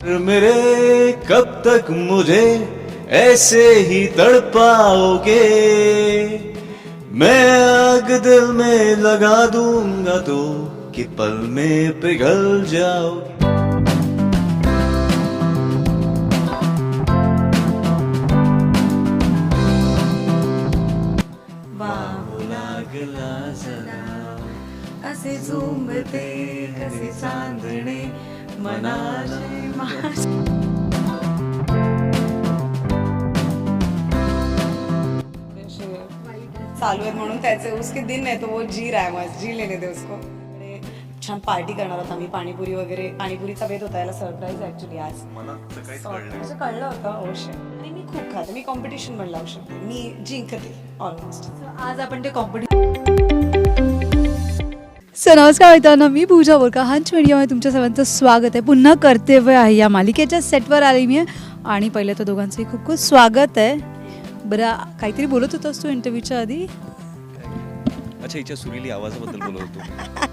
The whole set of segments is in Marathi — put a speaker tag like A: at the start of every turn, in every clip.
A: मेरे कब तक मुझे ऐसे ही तड़पाओगे, मैं आग दिल में लगा दूंगा तो कि पल में पिघल जाओगे. लागला जरा
B: असे झुंबते कसे चांदणे मनाचे चालू आहे म्हणून त्याचे उसके दिन है तो वो जी रहा है, मस्त जी लेने दे उसको. छान पार्टी करणार होता मी, पाणीपुरी वगैरे. पाणीपुरीचा बेत होता, याला सरप्राईज ऍक्च्युली आज असं कळलं होतं. ओशे आणि मी खूप खाते, मी कॉम्पिटिशन पण लावू शकते, मी जिंकते ऑलमोस्ट.
C: आज आपण ते सो नमस्कार मित्रांनो, मी पूजा बोरका. हंच मीडियामध्ये तुमच्या सर्वांचं स्वागत आहे. पुन्हा कर्तव्य आहे या मालिकेच्या सेटवर आली मी आणि पहिलं तर दोघांचंही खूप खूप स्वागत आहे. बरं, काहीतरी बोलत होतास तू इंटरव्ह्यूच्या आधी?
A: अच्छा, हिच्या सुरीली आवाजाबद्दल बोलत होतो.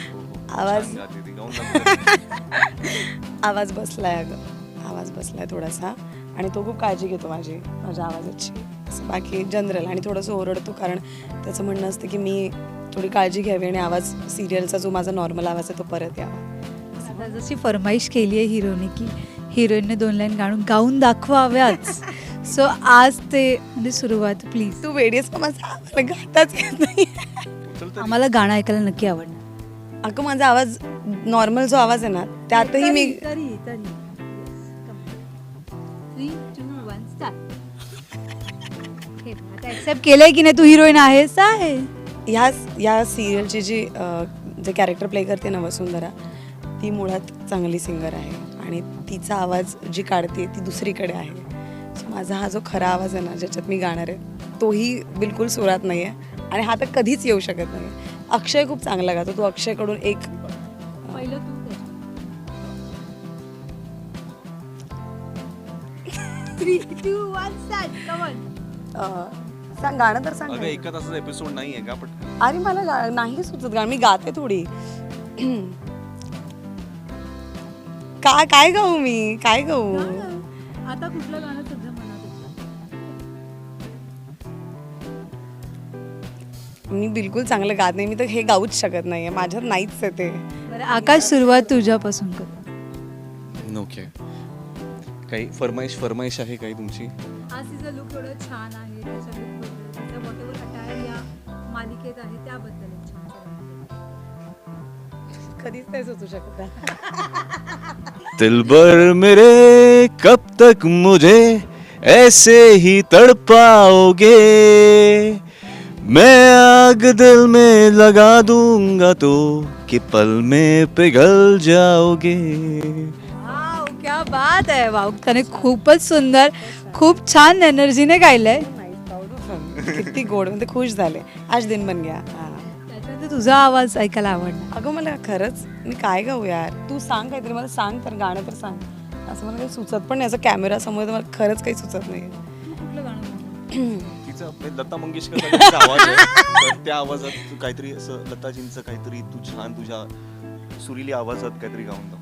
B: आवाज बसलाय, अगं आवाज बसलाय थोडासा, आणि तो खूप काळजी घेतो माझ्या आवाजाची. असं बाकी जनरल, आणि थोडंसं ओरडतो कारण त्याचं म्हणणं असतं की मी थोडी काळजी घ्यावी आणि आवाज सिरियलचा जो माझा नॉर्मल आवाज आहे तो परत यावा.
C: जशी फरमाईश केली आहे हिरोने की हिरोईनने 2 लाईन गाऊन दाखवाव्याच. सो आज ते म्हणजे सुरुवात प्लीज.
B: तू वेडीस का? माझा गाताच येत नाही.
C: आम्हाला गाणं ऐकायला नक्की आवडणार.
B: अगं माझा आवाज नॉर्मल जो आवाज आहे ना त्यातही मी
C: ऍक्सेप्ट केलंय की नाही तू हिरोईन आहेस आहे.
B: या सिरियलची जे कॅरेक्टर प्ले करते ना वसुंधरा, ती मुळात चांगली सिंगर आहे आणि तिचा आवाज जी काढते ती दुसरीकडे आहे. सो माझा हा जो खरा आवाज आहे ना ज्याच्यात मी गाणार आहे तोही बिलकुल सुरात नाही आहे आणि हा तर कधीच येऊ शकत नाही. अक्षय खूप चांगला गातो. तू अक्षयकडून एक सांग, गाणं तर सांग.
A: एका तासाचा एपिसोड नाही आहे का? पण
B: अरे मला नाही सुचत गाणं, मी गाते थोडी. काय गाऊ मी, काय गाऊ?
C: आता कुठलं गाणं सध्या मनात?
B: मी बिलकुल चांगलं गात नाही, मी तर हे गाऊच शकत नाहीये, माझ्यात नाहीच आहे ते.
C: आकाश, सुरुवात तुझ्यापासून कर.
A: ओके, काही फरमाईश आहे काही तुमची?
C: आज तिचा लुक थोडं छान आहे, त्याच्या लुकबद्दल, व्हॉटएव्हर अटायर या मालिकेत आहे त्याबद्दल
B: कधीच नाही सुचू शकत.
A: दिलबर मेरे कब तक मुझे ऐसे ही तड़पाओगे, मैं आग दिल में लगा दूंगा तो कि पल में पिघल जाओगे.
C: वाव, क्या बात आहे. वाव, त्याने खूपच सुंदर, खूप छान एनर्जीने गायलंय.
B: किती गोड, म्हणजे खुश झाले. आज दिन बन गया.
C: त्याच्यानंतर तुझा आवाज ऐकायला आवडणार.
B: अगं मला खरंच, मी काय गाऊ यार? तू सांग काहीतरी, मला सांग तर, गाणं तर सांग. असं मला काही सुचत पण नाही, असं कॅमेरा समोर तर मला खरंच काही सुचत नाही.
C: कुठलं गाणं?
A: लता मंगेशकर आवाज आहे, तर त्या आवाजात तू काहीतरी असं लताजींचं काहीतरी तू छान तुझ्या सुरीली आवाजात काहीतरी गाऊन दाखव.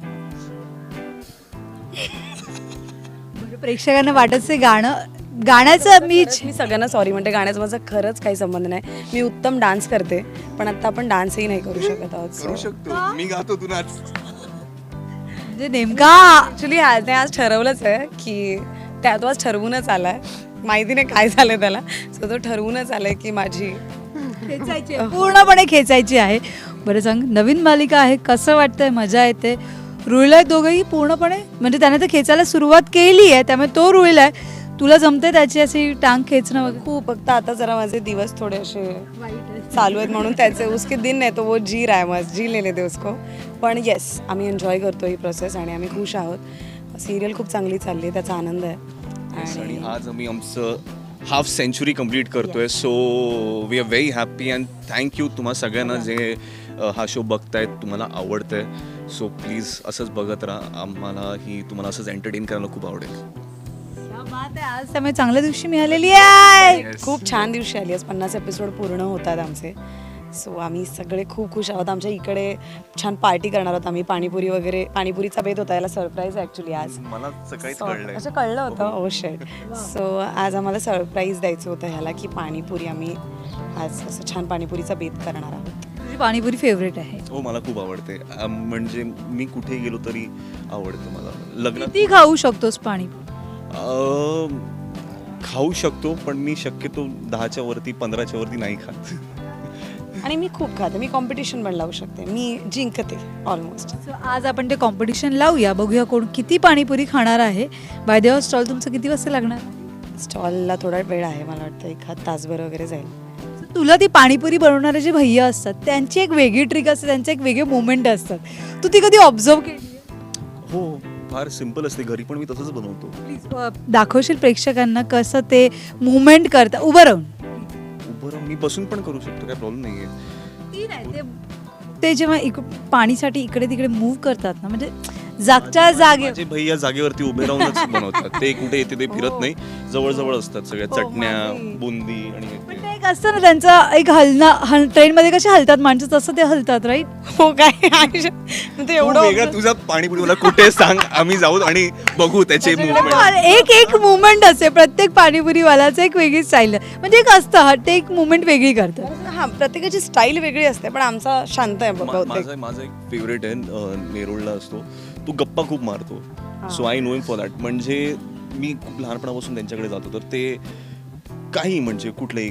C: प्रेक्षकांना वाटत गाण्याचं मी
B: सगळ्यांना सॉरी म्हणते, गाण्याचा माझा खरंच काही संबंध नाही. मी उत्तम डान्स करते पण आता आपण डान्सही नाही करू शकत आहोत.
A: करू शकतो, मी गातो तू नाच.
C: म्हणजे नेमका
B: ऍक्च्युली आज ठरवलंच आहे की तो आज ठरवूनच आलाय, माहिती नाही काय झालंय त्याला. सो तो ठरवूनच आलाय की माझी
C: खेचायची आहे, पूर्णपणे खेचायची आहे. बरं सांग, नवीन मालिका आहे, कसं वाटतंय? मजा येते? रुळलाय दोघंही पूर्णपणे, म्हणजे त्याने तर खेचायला सुरुवात केली आहे त्यामुळे तो रुळलाय. तुला जमते त्याची अशी टांग खेचणं वगैरे?
B: खूप. फक्त आता जरा माझे दिवस थोडे असे चालू आहेत म्हणून त्याचे उसके दिन है तो वो जी रहा है, मस्त जी लेने दे उसको. पण येस, आम्ही एन्जॉय करतो ही प्रोसेस आणि आम्ही खुश आहोत. सिरियल खूप चांगली चालली आहे, त्याचा आनंद आहे.
A: आणि आज आम्ही आमचं हाफ सेंचुरी कंप्लीट करतोय. So we are very happy and thank you तुम्हा सगळ्यांना जे हा शो बघतायत, तुम्हाला आवडतंय. सो प्लीज असंच बघत राहा, आम्हाला ही तुम्हाला असंच एंटरटेन करायला खूप आवडेल.
C: आज त्यामुळे चांगल्या दिवशी मिळालेली आहे.
B: खूप छान दिवशी आली. आज 50 एपिसोड पूर्ण होतात आमचे सो आम्ही सगळे खूप खुश आहोत. आमच्या इकडे छान पार्टी करणार आहोत आम्ही. पाणीपुरी वगैरे, पाणीपुरीचा बेत होता, याला सरप्राईज ॲक्च्युली आज.
A: मला सकाळीच
B: So,
A: कळलंय.
B: अच्छा कळलं होतं. ओ शेट. सो आज आम्हाला सरप्राईज द्यायचं होतं ह्याला की पाणीपुरी आम्ही आज असं छान पाणीपुरीचा बेत करणार आहोत.
C: तुझी पाणीपुरी फेवरेट आहे.
A: हो मला खूप आवडते. म्हणजे मी कुठे गेलो तरी आवडतं मला. लग्नात
C: किती खाऊ शकतोस पाणीपुरी?
A: खाऊ शकतो पण मी शक्यतो 10च्या वरती 15च्या वरती नाही खात.
B: आणि मी खूप खाते. मी कॉम्पिटिशन पण लावू शकते. मी जिंकते ऑलमोस्ट.
C: So, आज आपण ते कॉम्पिटिशन लावूया, बघूया कोण किती पाणीपुरी खाणार आहे. बाय द स्टॉल तुमचं किती वाजता लागणार?
B: स्टॉलला थोडा वेळ आहे, मला वाटतं 1 तासभर वगैरे जाईल.
C: So, तुला ती पाणीपुरी बनवणारे जे भैया असतात त्यांची एक वेगळी ट्रिक असते, त्यांचे एक वेगळे मुवमेंट असतात. तू ती कधी ऑब्झर्व केली?
A: हो फार सिम्पल असते. घरी पण मी तसंच बनवतो.
C: प्लीज दाखवशील प्रेक्षकांना कसं ते मुवमेंट करता उभं राहून?
A: उभं राहून मी बसून पण करू शकतो, काय प्रॉब्लेम नाहीये.
C: ती नाही, ते जेव्हा पाणीसाठी इकडे तिकडे मूव्ह करतात ना, म्हणजे जागच्या जागे.
A: माझे भैया जागेवरती उभे राहूनच बनवतात. ते कुठे येते ते फिरत नाही, जवळ असतात सगळ्या
B: हो,
A: चटण्या,
B: माझे.
A: बुंदी आणि हे
C: पण
A: ते.
C: ते एक असतं ना त्यांचं एक ट्रेनमध्ये कसे हलतात माणसं तसं ते हलतात, राईट?
B: हो काय ते
A: तू
B: एवढं
A: वेगळा तुझा पाणीपुरी मला कुठे सांग, आम्ही जाऊ आणि बघू त्याचे मुवमेंट.
C: एक मुवमेंट असते प्रत्येक पाणीपुरीवालाचं, एक वेगळी स्टाईल. म्हणजे एक असतं ते एक मुवमेंट वेगळी करतं.
B: हा, प्रत्येकाची स्टाईल वेगळी असते, पण आमचा शांत आहे बहुतेक.
A: माझा एक फेवरेट आहे, नेरुळला असतो तो. गप्पा खूप मारतो. So I know him for that. म्हणजे मी खूप लहानपणापासून त्यांच्याकडे जातो, तर ते काही म्हणजे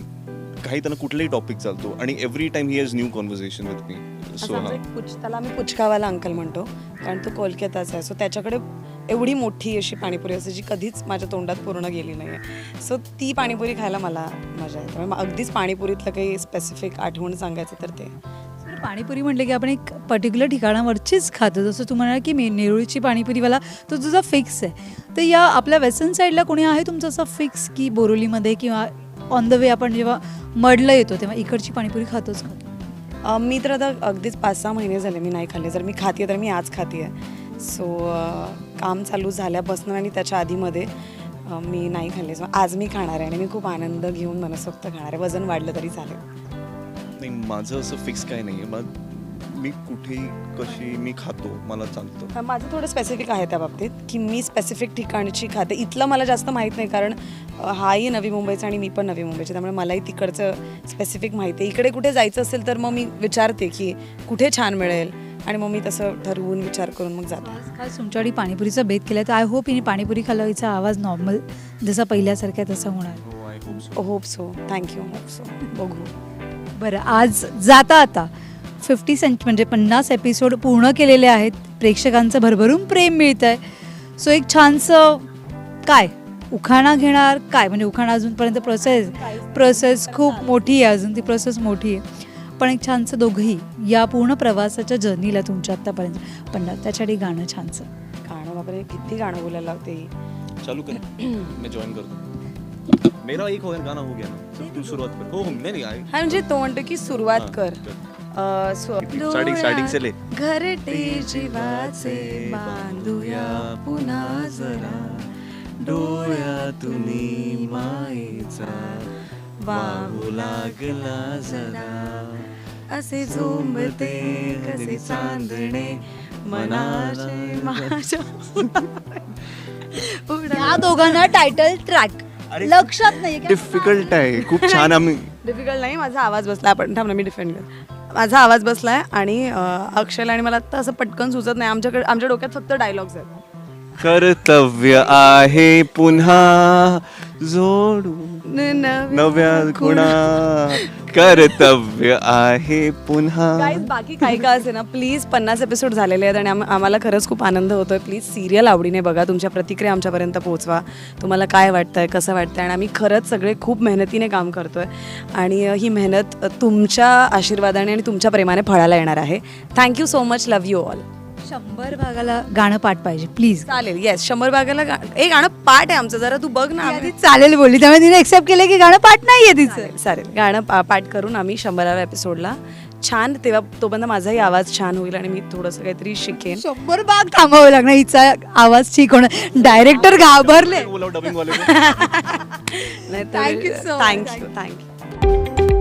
A: काही त्यांना कुठलाही टॉपिक चालतो आणि every time he has new conversation with me. So
B: असं आमचा एक त्याला आम्ही पुचकावाला अंकल म्हणतो, कारण तो कोलकाताचा आहे. सो त्याच्याकडे एवढी मोठी अशी पाणीपुरी असते जी कधीच माझ्या तोंडात पूर्ण गेली नाही आहे. सो ती पाणीपुरी खायला मला मजा येते. त्यामुळे अगदीच पाणीपुरीतलं काही स्पेसिफिक आठवण सांगायचं तर ते
C: पाणीपुरी म्हटलं की आपण एक पर्टिक्युलर ठिकाणावरचीच खातो. जसं तू म्हणाल की नेरुळीची पाणीपुरीवाला तो तुझा फिक्स आहे. तर या आपल्या वेस्टर्न साईडला कोणी आहे तुमचं असं फिक्स की बोरिवलीमध्ये किंवा ऑन द वे आपण जेव्हा मडला येतो तेव्हा इकडची पाणीपुरी खातोच खातो?
B: मी तर आता अगदीच 5-6 महिने झाले मी नाही खाल्ले. जर मी खाते तर मी आज खाते आहे. सो काम चालू झाल्यापासून आणि त्याच्या आधीमध्ये मी नाही खाल्ले. सो आज मी खाणार आहे आणि मी खूप आनंद घेऊन मनसोक्त खाणार आहे. वजन वाढलं तरी चालेल.
A: नाही, माझं असं फिक्स काय नाही आहे. मग मी कुठेही कशी मी खातो, मला चालतं.
B: माझं थोडं स्पेसिफिक आहे त्या बाबतीत की मी स्पेसिफिक ठिकाणची खाते. इथलं मला जास्त माहीत नाही, कारण हाही नवी मुंबईचा आणि मी पण नवी मुंबईची, त्यामुळे मलाही तिकडचं स्पेसिफिक माहिती आहे. इकडे कुठे जायचं असेल तर मग मी विचारते की कुठे छान मिळेल आणि मग मी तसं ठरवून विचार करून मग जाते.
C: खास तुमच्याकडे पाणीपुरीचा बेत केला तर आय होप हिने पाणीपुरी खाल्ला हिचा आवाज नॉर्मल जसा पहिल्यासारखा तसा होणार.
A: हो, I hope so.
B: Hope so. Thank you. Hope so. बघू.
C: बरं, आज जाता आता 50 एपिसोड पूर्ण केलेले आहेत. प्रेक्षकांचं भरभरून प्रेम मिळतं आहे. सो एक छानसं काय उखाणा घेणार काय, म्हणजे उखाणा अजूनपर्यंत प्रोसेस खूप मोठी आहे, अजून ती प्रोसेस मोठी आहे. पण एक छानसं दोघंही या पूर्ण प्रवासाच्या जर्नीला तुमच्या आत्तापर्यंत पण त्याच्यासाठी गाणं छानसं.
B: गाणं बापरे, किती गाणं बोलायला लावते.
A: चालू कर, मी जॉईन करतो. मेरा एक गाना हो गया ना, तू सुरुवात कर. हो नाही
B: हा, म्हणजे तो म्हणतो की सुरुवात कर.
A: स्टार्टिंग से ले.
B: घरटे जीवाचे बांधूया पुन्हा जरा,
A: डोळ्यातून मायेचा वाहू लागला जरा,
B: असे झोंबते कसे चांदणे मनाचे माझ्या.
C: या दोघांना टायटल ट्रॅक लक्षात नाही.
A: डिफिकल्ट आहे खूप छान. आम्ही
B: डिफिकल्ट नाही, माझा आवाज बसला. आपण थांब ना, मी डिफेंड कर. माझा आवाज बसलाय आणि अक्षयला आणि मला आता असं पटकन सुचत नाही. आमच्या डोक्यात फक्त डायलॉग्स आहेत.
A: कर्तव्य आहे पुन्हा जोडू नव्या खुणा, कर्तव्य आहे पुन्हा.
B: गाईज, बाकी काही का असे ना, प्लीज 50 एपिसोड झालेले आहेत आणि आम्हाला खरंच खूप आनंद होतोय. प्लीज सिरियल आवडीने बघा. तुमच्या प्रतिक्रिया आमच्यापर्यंत पोहोचवा. तुम्हाला काय वाटतंय, कसं वाटतंय. आणि आम्ही खरंच सगळे खूप मेहनतीने काम करतोय आणि ही मेहनत तुमच्या आशीर्वादाने आणि तुमच्या प्रेमाने फळाला येणार आहे. Thank you so much. Love you all.
C: 100 भागाला गाणं पाठ पाहिजे प्लीज.
B: चालेल. येस, 100 भागाला एक गाणं पाठ आहे आमचं. जरा तू बघ ना.
C: आधी चालेल बोलली, त्यामुळे तिने एक्सेप्ट केलं की गाणं पाठ नाहीये तिचं.
B: चालेल, गाणं पाठ करून आम्ही 100व्या एपिसोडला छान, तेव्हा तोपर्यंत माझाही आवाज छान होईल आणि मी थोडंसं काहीतरी शिकेन.
C: 100 भाग थांबावं लागणार हिचा आवाज ठीक होणार. डायरेक्टर घाबरले.
A: डबिंग वाले.
B: थँक्यू.